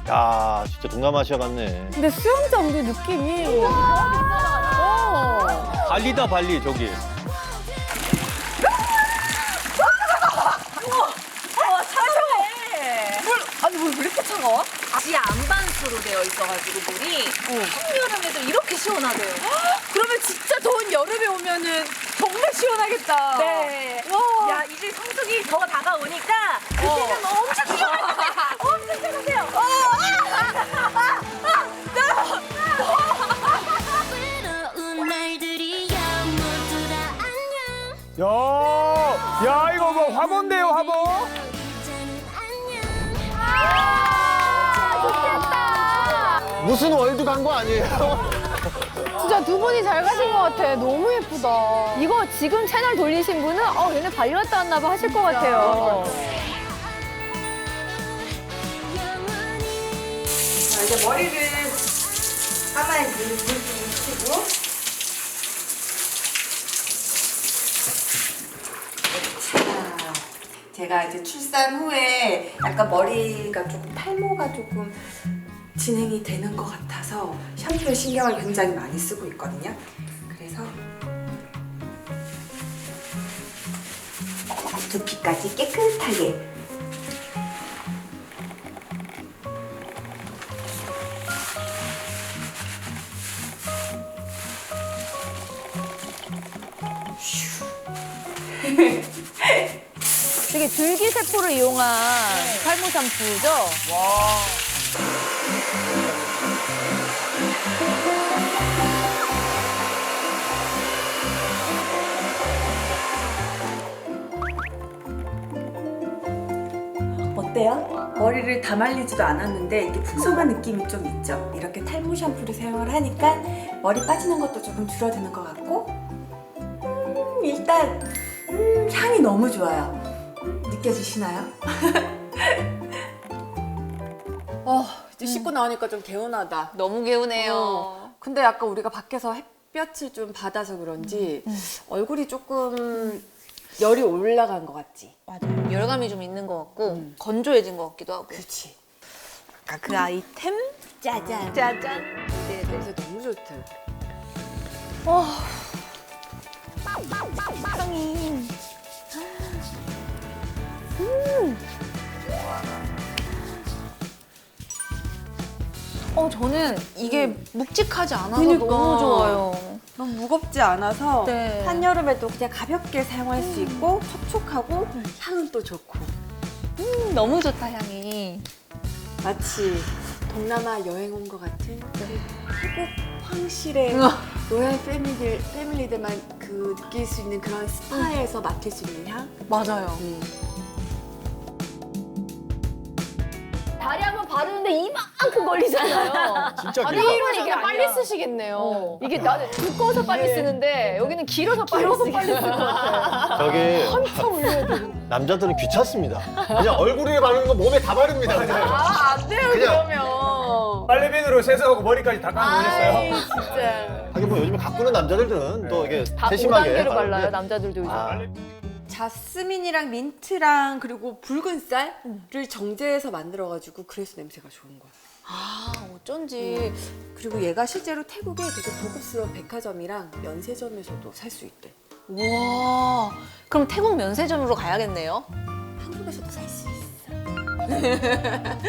야, 진짜 동남아시아 같네. 근데 수영장도 느낌이. 발리다, 발리, 저기. 아니 물 왜 이렇게 차가워? 지하 안반수로 되어 있어가지고 물이 한여름에도 이렇게 시원하대요. 그러면 진짜 더운 여름에 오면은 정말 시원하겠다. 네. 와. 야, 이제 성수기 더 다가오니까 그때는 엄청 시원하세요. 엄청 시원하세요. 야, 이거 뭐 화보인데요, 화보? 무슨 월드 간 거 아니에요? 진짜 두 분이 잘 가신 것 같아. 너무 예쁘다. 이거 지금 채널 돌리신 분은 얘네 발리 갔다 왔나 봐 하실 것 같아요. 자, 이제 머리를 감아야지. 물좀 묻히고. 자, 제가 이제 출산 후에 약간 머리가 조금 탈모가 조금 진행이 되는 것 같아서 샴푸에 신경을 굉장히 많이 쓰고 있거든요. 그래서 두피까지 깨끗하게. 되게 줄기세포를 이용한 탈모 샴푸죠? 어때요? 머리를 다 말리지도 않았는데 이게 풍성한 느낌이 좀 있죠? 이렇게 탈모 샴푸를 사용을 하니까 머리 빠지는 것도 조금 줄어드는 것 같고 일단 향이 너무 좋아요. 느껴지시나요? 이제 씻고 나오니까 좀 개운하다. 너무 개운해요. 근데 약간 우리가 밖에서 햇볕을 좀 받아서 그런지 얼굴이 조금 열이 올라간 것 같지? 열감이 좀 있는 것 같고 건조해진 것 같기도 하고. 그렇지. 아까 그 아이템 짜잔. 짜잔. 네, 냄새 너무 좋다. 향이. 저는 이게 묵직하지 않아서 그니까. 너무 좋아요. 너무 무겁지 않아서 네. 한여름에도 그냥 가볍게 사용할 수 있고 촉촉하고 향은 또 좋고 너무 좋다, 향이. 마치 동남아 여행 온 것 같은 그 태국 황실의 로얄 패밀리들만 그 느낄 수 있는 그런 스파에서 맡을 수 있는 향? 맞아요. 다리 한번 바르는데 이만큼 걸리잖아요. 진짜 아니, 길다. 이러면 빨리 쓰시겠네요. 이게 나는 두꺼워서 빨리 쓰는데 여기는 길어서 빨리 쓰겠어요. 저기 한참 올려야 돼. 남자들은 귀찮습니다. 그냥 얼굴에 바르는 거 몸에 다 바릅니다. 그냥. 안 돼요, 그냥. 그러면. 빨래비누로 세수하고 머리까지 다 감고 오셨어요? 진짜. 하긴 뭐 요즘에 가꾸는 남자들은 또 이게 다 세심하게 5단계로 발라요, 바르는데 남자들도 요즘. 아, 자스민이랑 민트랑 그리고 붉은 쌀을 정제해서 만들어가지고 그래서 냄새가 좋은 거야. 어쩐지. 그리고 얘가 실제로 태국에 되게 고급스러운 백화점이랑 면세점에서도 살 수 있대. 와. 그럼 태국 면세점으로 가야겠네요. 한국에서도 살 수 있어.